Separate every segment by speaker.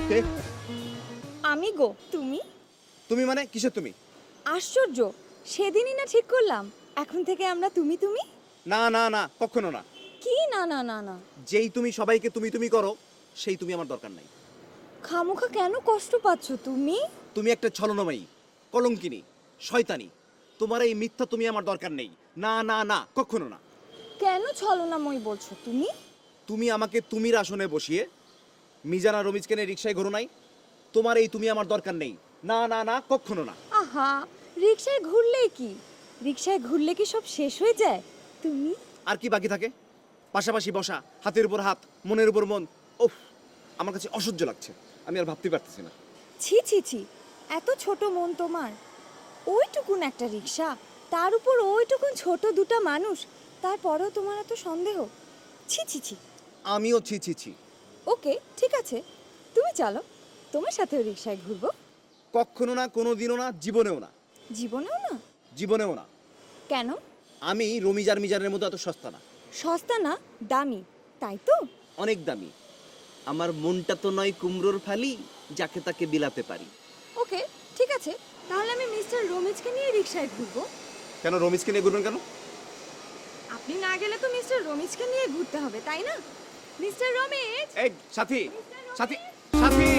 Speaker 1: কে?
Speaker 2: আমি গো। তুমি?
Speaker 1: তুমি মানে কিসের তুমি?
Speaker 2: আশ্চর্য, সেদিনই না ঠিক করলাম এখন থেকে আমরা তুমি তুমি।
Speaker 1: না না না, কখনো না।
Speaker 2: কি না না না না?
Speaker 1: যেই তুমি সবাইকে তুমি তুমি করো, সেই তুমি আমার দরকার নাই।
Speaker 2: খামোখা কেন কষ্ট পাচ্ছ তুমি?
Speaker 1: তুমি একটা ছলনাময়ী, কলঙ্কিনী, শয়তানি। তোমার এই মিথ্যা তুমি আমার দরকার নেই। না না না, কখনো না।
Speaker 2: কেন ছলনাময় বলছো তুমি?
Speaker 1: তুমি আমাকে তুমির আসনে বসিয়ে মিজানা রমিজকে নিয়ে রিক্সায় ঘোরো নাই। তোমার এই তুমি আমার দরকার নেই। না না না, কখনো না।
Speaker 2: আহা, রিকশায় ঘুরলেই কি? রিকশায় ঘুরলে কি সব শেষ হয়ে যায়? তুমি
Speaker 1: আর কি বাকি থাকে? পাশাপাশি বসা, হাতের উপর হাত, মনের উপর মন। ওফ, আমার কাছে অসহ্য লাগছে। আমি আর ভাবতে পারতেছি না।
Speaker 2: ছি ছি ছি, এত ছোট মন তোমার। ওইটুকুন একটা রিকশা, তার উপর ওইটুকুন ছোট দুটা মানুষ, তারপরেও তোমার এত সন্দেহ? ছি ছি ছি।
Speaker 1: আমিও ছি ছি ছি।
Speaker 2: ওকে, ঠিক আছে, তুমি চলো, তোমার সাথেও রিকশায় ঘুরবো।
Speaker 1: কখনো না, কোনো দিনও না, জীবনেও না।
Speaker 2: জীবনেও না?
Speaker 1: জীবনেও না।
Speaker 2: কেন?
Speaker 1: আমি রমিজার মিজানের মতো এত সস্তা না।
Speaker 2: সস্তা না, দামি, তাই তো?
Speaker 1: অনেক দামি। আমার মনটা তো নয় কুমড়োর ফালি, যাকে তাকে বিলাতে পারি।
Speaker 2: ওকে, ঠিক আছে, তাহলে আমি মিস্টার রমিজকে নিয়ে রিকশায় ঘুরবো।
Speaker 1: কেন রমিজকে নিয়ে ঘুরবেন কেন?
Speaker 2: আপনি না গেলে তো মিস্টার রমিজকে নিয়ে ঘুরতে হবে, তাই না? মিস্টার রমিজ!
Speaker 1: এই সাথী, সাথী, সাথী!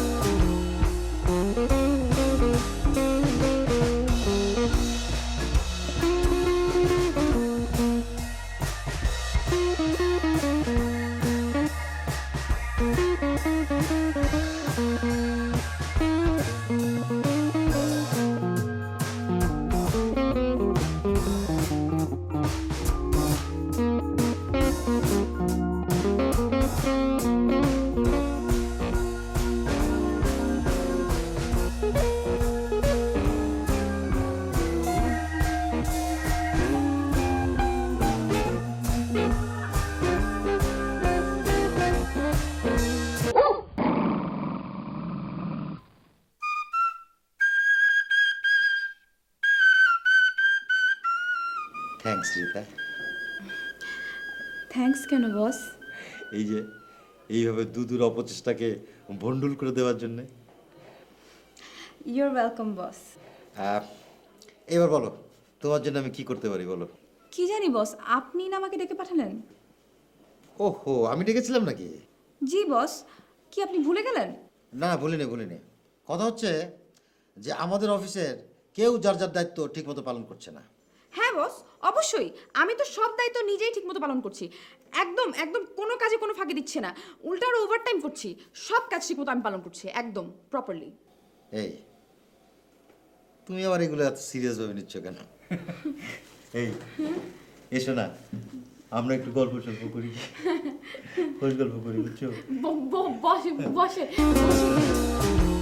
Speaker 3: থ্যাঙ্কস রিতা।
Speaker 4: থ্যাঙ্কস কেন বস?
Speaker 3: এই যে এইভাবে দুদূর অপচেষ্টাকে ভন্ডুল করে দেওয়ার জন্যে।
Speaker 4: You're welcome boss.
Speaker 3: এবার বলো, তোমার জন্য আমি কি করতে পারি বলো।
Speaker 4: কি জানি বস, আপনি না আমাকে ডেকে পাঠালেন?
Speaker 3: ওহো, আমি ডেকেছিলাম নাকি?
Speaker 4: জি বস, কি আপনি ভুলে গেলেন?
Speaker 3: না, ভুলিনি ভুলিনি। কথা হচ্ছে যে আমাদের অফিসের কেউ যার যার দায়িত্ব ঠিকমতো পালন করছে না।
Speaker 4: হ্যাঁ বস, অবশ্যই। আমি তো সব দায়িত্ব নিজেই ঠিকমতো পালন করছি। একদম একদম কোনো কাজে কোনো ফাঁকি দিচ্ছে না, উল্টা আরো ওভারটাইম করছি। সব কাজ ঠিকমতো আমি পালন করছি, একদম প্রপারলি।
Speaker 3: এই তুমি আবার এগুলো এত সিরিয়াস ভাবে নিচ্ছ কেন? এই এসো না, আমরা একটু গল্প সল্প করি, খোঁজ গল্প করি, বুঝছো?
Speaker 4: বসে বসে বসে।